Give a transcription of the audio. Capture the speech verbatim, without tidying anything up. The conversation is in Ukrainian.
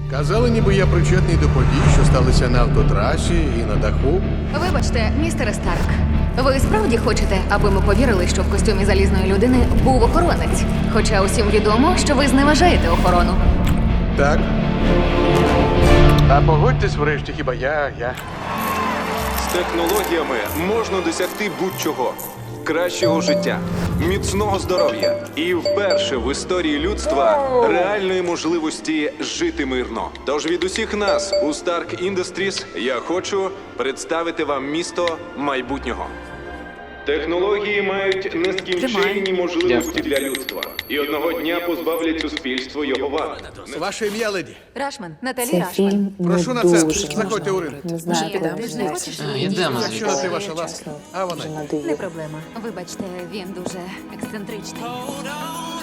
Казали, ніби я причетний до подій, що сталися на автотрасі і на даху. Вибачте, містере Старк. Ви справді хочете, аби ми повірили, що в костюмі залізної людини був охоронець? Хоча усім відомо, що ви зневажаєте охорону. Так. А погодьтесь врешті, хіба я, я. З технологіями можна досягти будь-чого. Кращого життя, міцного здоров'я і вперше в історії людства реальної можливості жити мирно. Тож від усіх нас у Stark Industries я хочу представити вам місто майбутнього. Технології мають нескінченні можливості для людства. І одного дня позбавлять суспільство його вад. Ваше ім'я, леді. Рашман, Наталі Це Рашман. фільм не Прошу на дуже. це. Заходьте у ринок. Не знаю, Ні, куди ти ж не хочеш? вдатися. Йдемо Якщо на те ваша ласка. Чесно, А вона. вже Не надоїло. проблема. Вибачте, він дуже ексцентричний.